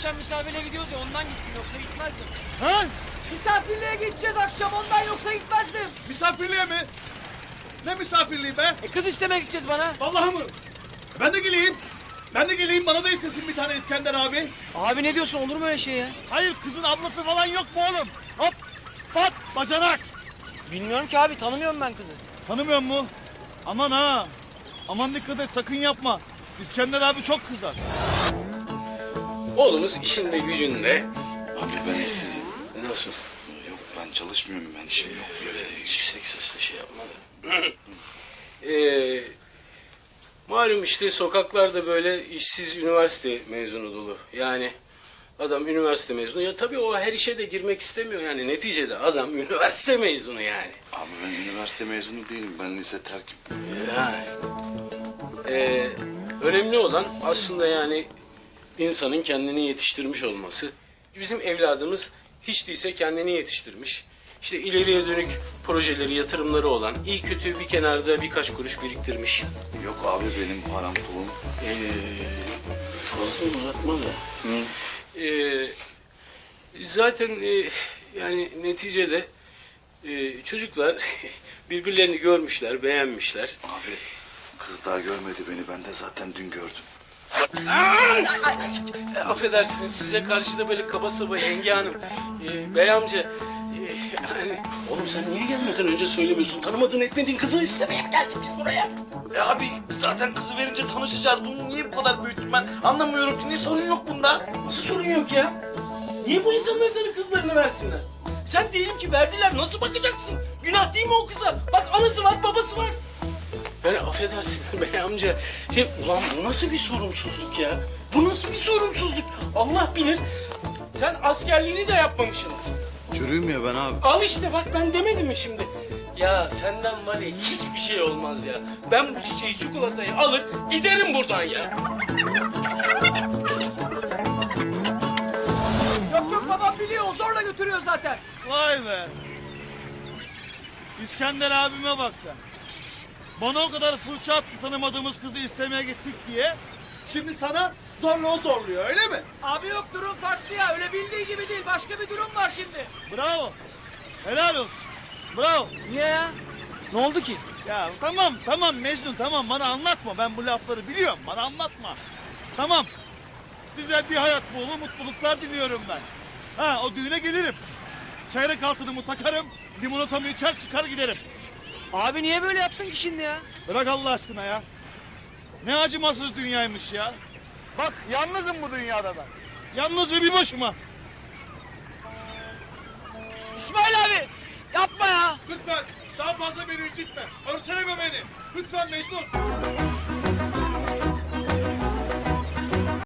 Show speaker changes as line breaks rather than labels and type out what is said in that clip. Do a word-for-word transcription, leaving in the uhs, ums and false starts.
akşam misafirliğe gidiyoruz ya ondan gittim yoksa gitmezdim.
Ha?
Misafirliğe gideceğiz akşam ondan yoksa gitmezdim.
Misafirliğe mi? Ne misafirliği be?
E kız istemeye gideceğiz bana.
Vallahi mı? Ben de geleyim. Ben de geleyim, bana da istesin bir tane İskender abi.
Abi ne diyorsun, olur mu öyle şey ya?
Hayır, kızın ablası falan yok mu oğlum? Hop, pat, bacanak.
Bilmiyorum ki abi, tanımıyorum ben kızı.
Tanımıyor mu? Aman ha. Aman dikkat et, sakın yapma. İskender abi çok kızar.
Oğlumuz işinde gücünde.
Abi ben işsizim.
Nasıl?
Yok ben çalışmıyorum, ben işim yok.
Böyle yüksek sesle şey yapma da. ee, malum işte sokaklarda böyle işsiz üniversite mezunu dolu. Yani adam üniversite mezunu. Ya tabii o her işe de girmek istemiyor yani. Neticede adam üniversite mezunu yani.
Abi ben üniversite mezunu değilim, ben lise terkim.
Yani. Ee, önemli olan aslında yani insanın kendini yetiştirmiş olması. Bizim evladımız hiç değilse kendini yetiştirmiş. İşte ileriye dönük projeleri, yatırımları olan, iyi kötü bir kenarda birkaç kuruş biriktirmiş.
Yok abi benim param pulum.
Ee, fazla uzatma da. Ee, zaten e, yani neticede e, çocuklar birbirlerini görmüşler, beğenmişler.
Abi kız daha görmedi beni, ben de zaten dün gördüm.
E, affedersiniz, size karşı da böyle kaba saba yenge hanım. E, bey amca, e, yani oğlum sen niye gelmeden önce söylemiyorsun? Tanımadığın etmediğin kızı istemeye mi geldik biz buraya?
E abi zaten kızı verince tanışacağız. Bunu niye bu kadar büyüttüm ben? Anlamıyorum ki, ne sorun yok bunda?
Nasıl sorun yok ya? Niye bu insanlar sana kızlarını versinler? Sen diyelim ki verdiler, nasıl bakacaksın? Günah değil mi o kıza? Bak anası var, babası var. Yani affedersiniz bey amca. Şey, ulan bu nasıl bir sorumsuzluk ya? Bu nasıl bir sorumsuzluk? Allah bilir. Sen askerliğini de yapmamışsın.
Çürüyüm ya ben abi.
Al işte bak, ben demedim mi şimdi? Ya senden var ya hiçbir şey olmaz ya. Ben bu çiçeği, çikolatayı alır giderim buradan ya.
Yok yok, babam biliyor, o zorla götürüyor zaten.
Vay be. İskender abime bak sen. Bana o kadar fırça attı tanımadığımız kızı istemeye gittik diye. Şimdi sana zorla o zorluyor, öyle mi?
Abi yok, durum farklı ya, öyle bildiği gibi değil, başka bir durum var şimdi.
Bravo. Helal olsun. Bravo.
Niye ya? Ne oldu ki?
Ya tamam tamam Mecnun, tamam, bana anlatma. Ben bu lafları biliyorum, bana anlatma. Tamam. Size bir hayat boyu mutluluklar diliyorum ben. Ha, o düğüne gelirim. Çeyrek altınımı takarım, limonatamı içer çıkar giderim.
Abi niye böyle yaptın ki şimdi ya?
Bırak Allah aşkına ya. Ne acımasız dünyaymış ya. Bak yalnızım bu dünyada ben. Yalnız ve bir başıma.
İsmail abi yapma ya.
Lütfen daha fazla beni incitme. Örseleme beni. Lütfen Mecnun.